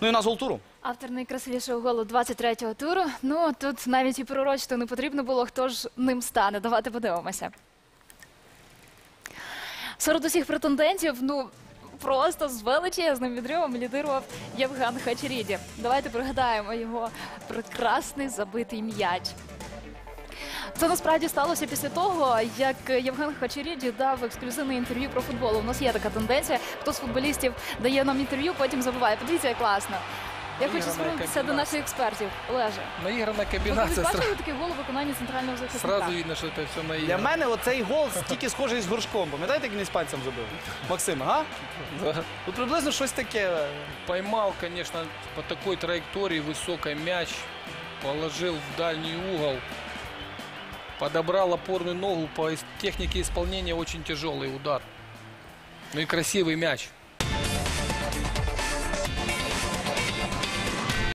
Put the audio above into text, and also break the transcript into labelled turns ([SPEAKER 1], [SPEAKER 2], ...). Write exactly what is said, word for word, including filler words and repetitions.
[SPEAKER 1] Ну і у нас гол туру.
[SPEAKER 2] Автор найкрасивішого голу двадцять третього туру. Ну, тут навіть і пророчити не потрібно було, хто ж ним стане. Давайте подивимося. Серед усіх претендентів, ну, просто з величезним відривом лідирував Євген Хачеріді. Давайте пригадаємо його прекрасний забитий м'яч. Це насправді сталося після того, як Євген Хачеріді дав ексклюзивне інтерв'ю про футбол. У нас є така тенденція, хто з футболістів дає нам інтерв'ю, потім забуває. Подивіться, як класно. Я хочу звернутися до наших експертів. Олеже,
[SPEAKER 3] наигранная
[SPEAKER 2] ви
[SPEAKER 3] комбинация.
[SPEAKER 2] бачили такий гол у виконанні центрального захисника?
[SPEAKER 3] Сразу видно, что это все наиграно.
[SPEAKER 1] Для мене оцей гол тільки схожий з горшком. Пам'ятаєте, як він з пальцем забив? Максим, ага?
[SPEAKER 3] Да.
[SPEAKER 1] Тут приблизно щось таке.
[SPEAKER 3] Поймал, конечно, по такой траектории высокий мяч, положил в дальний угол, подобрал опорную ногу, по технике исполнения очень тяжелый удар. Ну и красивый мяч.